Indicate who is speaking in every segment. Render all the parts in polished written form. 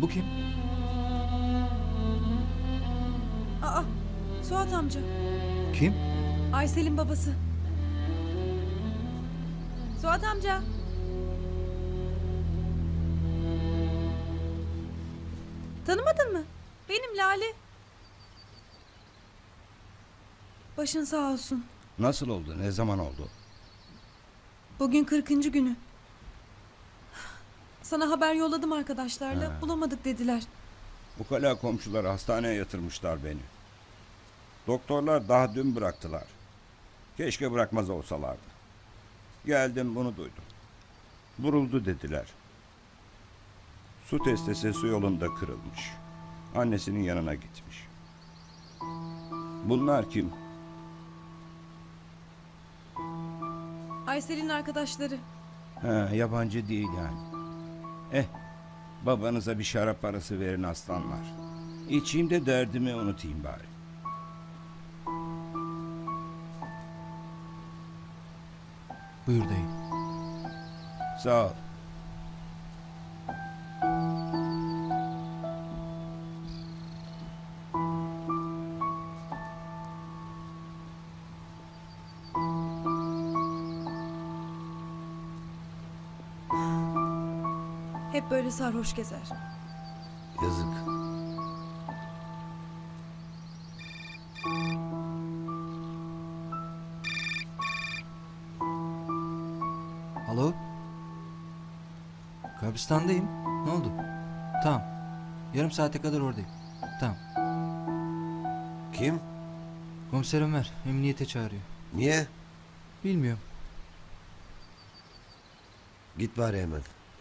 Speaker 1: Bu kim?
Speaker 2: Aa, Suat amca.
Speaker 1: Kim?
Speaker 2: Aysel'in babası. Suat amca. Tanımadın mı? Benim Lale. Başın sağ olsun.
Speaker 3: Nasıl oldu? Ne zaman oldu?
Speaker 2: Bugün 40. günü. Sana haber yolladım arkadaşlarla. Bulamadık dediler.
Speaker 3: Bu kala komşular hastaneye yatırmışlar beni. Doktorlar daha dün bıraktılar. Keşke bırakmaz olsalardı. Geldim bunu duydum. Vuruldu dediler. Su testisi su yolunda kırılmış. Annesinin yanına gitmiş. Bunlar kim?
Speaker 2: Aysel'in arkadaşları.
Speaker 3: Yabancı değil yani. Babanıza bir şarap parası verin aslanlar. İçeyim de derdimi unutayım bari.
Speaker 1: Buyur dayı.
Speaker 3: Sağ ol.
Speaker 2: Hep böyle sarhoş gezer.
Speaker 4: Yazık.
Speaker 1: Alo? Kabristandayım. Ne oldu? Tamam. Yarım saate kadar oradayım. Tamam.
Speaker 4: Kim?
Speaker 1: Komiser Ömer emniyete çağırıyor.
Speaker 4: Niye?
Speaker 1: Bilmiyorum.
Speaker 4: Git bari hemen.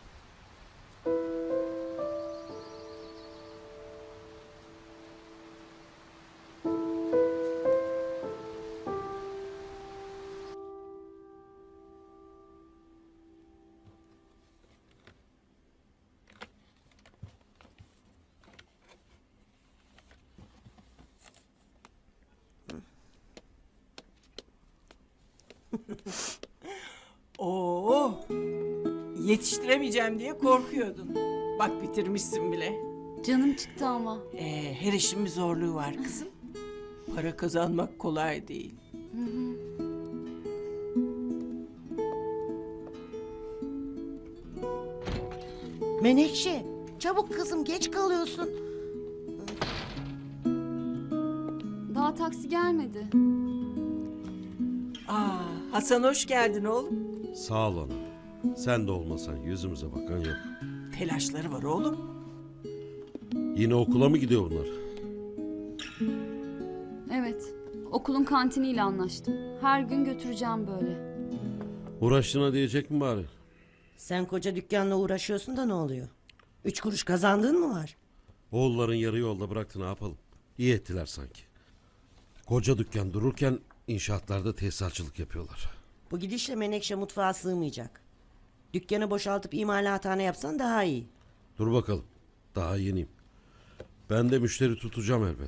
Speaker 5: Oo, yetiştiremeyeceğim diye korkuyordun. Bak bitirmişsin bile.
Speaker 6: Canım çıktı ama.
Speaker 5: Her işin bir zorluğu var kızım. Para kazanmak kolay değil.
Speaker 7: Menekşe, çabuk kızım geç kalıyorsun.
Speaker 6: Daha taksi gelmedi.
Speaker 5: Hasan hoş geldin oğlum.
Speaker 8: Sağ ol ana. Sen de olmasan yüzümüze bakan yok.
Speaker 5: Telaşları var oğlum.
Speaker 8: Yine okula mı gidiyor bunlar?
Speaker 6: Evet. Okulun kantiniyle anlaştım. Her gün götüreceğim böyle.
Speaker 8: Uğraştığına diyecek mi bari?
Speaker 7: Sen koca dükkanla uğraşıyorsun da ne oluyor? 3 kuruş kazandığın mı var?
Speaker 8: Oğulların yarı yolda bıraktı, ne yapalım? İyi ettiler sanki. Koca dükkan dururken inşaatlarda tesisatçılık yapıyorlar.
Speaker 7: Bu gidişle Menekşe mutfağa sığmayacak. Dükkanı boşaltıp imalathane yapsan daha iyi.
Speaker 8: Dur bakalım. Daha yeniyim. Ben de müşteri tutacağım elbet.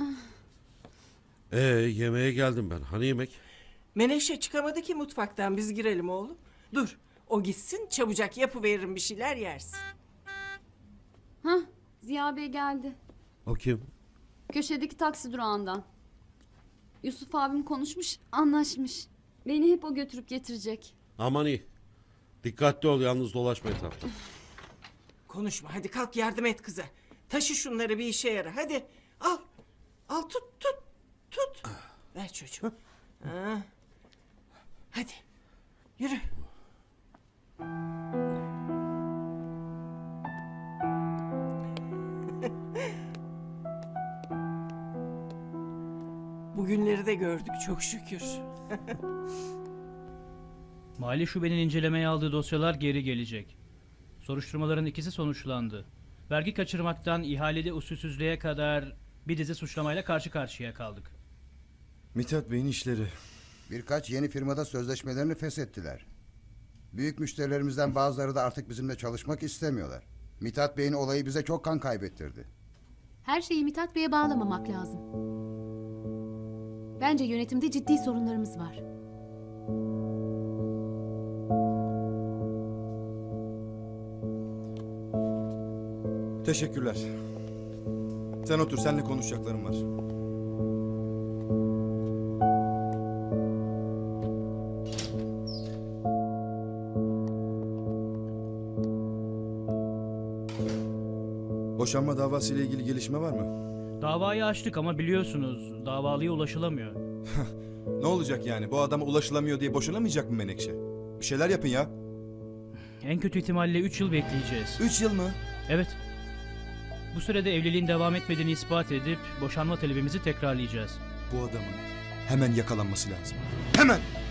Speaker 8: Yemeğe geldim ben. Hani yemek?
Speaker 5: Menekşe çıkamadı ki mutfaktan, biz girelim oğlum. Dur, o gitsin çabucak yapıveririm bir şeyler yersin.
Speaker 6: Hah, Ziya Bey geldi.
Speaker 8: O kim?
Speaker 6: Köşedeki taksi durağından. Yusuf abim konuşmuş, anlaşmış. Beni hep o götürüp getirecek.
Speaker 8: Aman iyi. Dikkatli ol, yalnız dolaşma etrafta.
Speaker 5: Konuşma, hadi kalk yardım et kıza. Taşı şunları, bir işe yara, hadi. Al, al tut. Ver çocuğum. Ha. Hadi, yürü. Bugünleri de gördük çok şükür.
Speaker 9: Mali şubenin incelemeye aldığı dosyalar geri gelecek. Soruşturmaların ikisi sonuçlandı. Vergi kaçırmaktan ihalede usulsüzlüğe kadar bir dizi suçlamayla karşı karşıya kaldık.
Speaker 10: Mithat Bey'in işleri.
Speaker 11: Birkaç yeni firmada sözleşmelerini feshettiler. Büyük müşterilerimizden bazıları da artık bizimle çalışmak istemiyorlar. Mithat Bey'in olayı bize çok kan kaybettirdi.
Speaker 12: Her şeyi Mithat Bey'e bağlamamak lazım. Bence yönetimde ciddi sorunlarımız var.
Speaker 10: Teşekkürler. Sen otur, seninle konuşacaklarım var. Boşanma davası ile ilgili gelişme var mı?
Speaker 9: Davayı açtık ama biliyorsunuz davalıya ulaşılamıyor.
Speaker 10: Ne olacak yani? Bu adama ulaşılamıyor diye boşanamayacak mı Menekşe? Bir şeyler yapın ya.
Speaker 9: En kötü ihtimalle 3 yıl bekleyeceğiz.
Speaker 10: 3 yıl mı?
Speaker 9: Evet. Bu sürede evliliğin devam etmediğini ispat edip boşanma talebimizi tekrarlayacağız.
Speaker 10: Bu adamın hemen yakalanması lazım. Hemen!